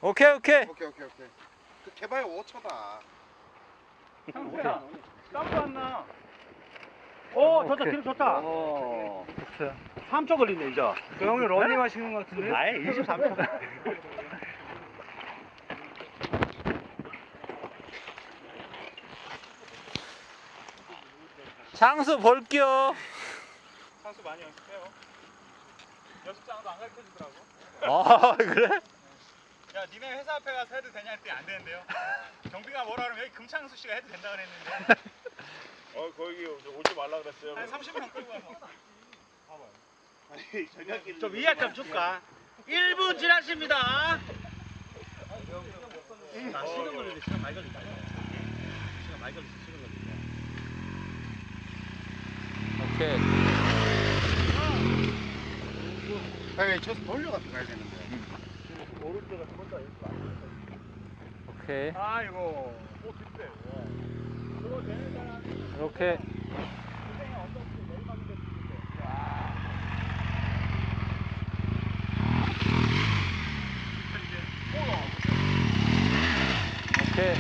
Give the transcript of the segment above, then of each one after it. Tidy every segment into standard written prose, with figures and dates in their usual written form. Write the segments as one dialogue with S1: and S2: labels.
S1: 오케이.
S2: 오케이. 그 개발 5초다.
S3: 상수야, 땀도 안 나. 오, 좋다,
S1: 오케이.
S3: 기록 좋다.
S1: 좋죠.
S3: 3초 걸리네, 이제.
S4: 그 형이 러닝 하시는 것 같은데?
S3: 아예 23초.
S1: 장수 볼게요.
S4: 상수 많이 연습해요. 연습장도 안 가르쳐 주더라고.
S1: 아, 그래?
S4: 야, 니네 회사 앞에 가서 해도 되냐 했더니 안 되는데요. 경비가 뭐라 그러면 여기 금창수 씨가 해도 된다 그랬는데.
S5: 거기 오지 말라 그랬어요.
S4: 한 30명 끌고 가서.
S5: 아니, 저녁에
S3: 좀 이해 좀 줄까? 1분 지났습니다. 아, 시간 걸리네, 시간 많이 걸린다. 시간 많이 걸렸어, 시간 걸린다.
S1: 오케이.
S2: 아니, 저 돌려가서 가야 되는데.
S1: 오케이.
S4: 아이고. 오, 뒷대. 그거 되는 사람.
S1: 이렇게. 오케이.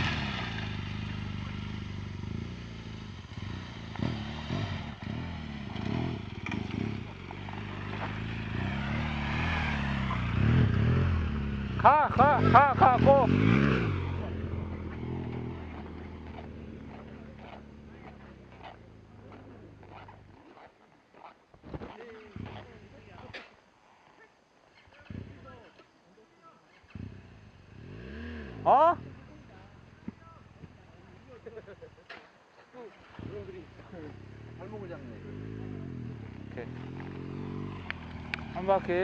S1: 가, 고. 어?
S2: 발목을 잡네.
S1: 오케이. 한 바퀴.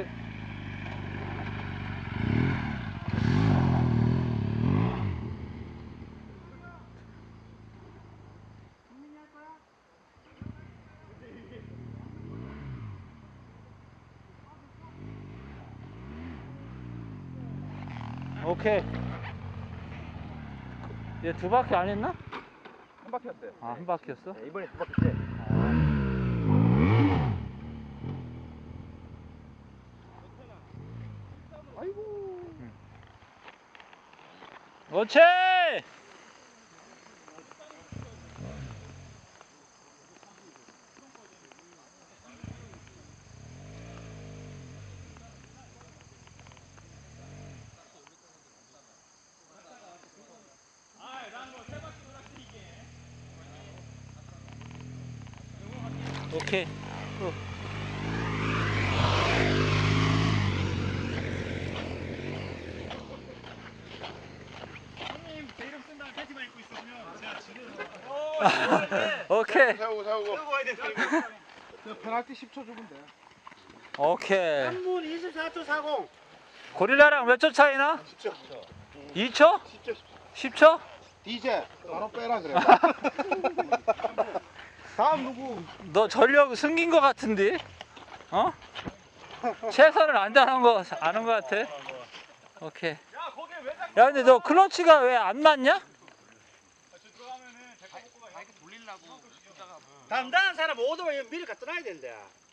S1: 오케이. 얘 두 바퀴 안 했나?
S2: 한 바퀴였어요.
S1: 아, 한 바퀴였어?
S3: 네, 이번에 두 바퀴째.
S2: 아이고.
S1: 그렇지! 오케이.
S4: 형님, 제 이름 쓴 다음에 팬티만 입고 있으면 제가 지금.
S1: 오케이.
S5: 세우고.
S4: 끌고 와야 되니까.
S2: 페널티 10초 주면 돼.
S1: 오케이.
S3: 3분 24초 40.
S1: 고릴라랑 몇 초 차이나?
S2: 10초.
S1: 2초?
S2: 10초.
S1: 10초?
S2: DJ 바로 빼라 그래. 다음 누구?
S1: 너 전력 숨긴 거 같은데? 어? 최선을 안 다한 거 아는 거 같아? 오케이.
S4: 야, 거기 왜 자꾸.
S1: 야, 근데 너 클러치가 왜 안 맞냐?
S4: 저 들어가면은 데리고 가.
S3: 담당한 사람 오도면 미리 갖다 놔야 된대.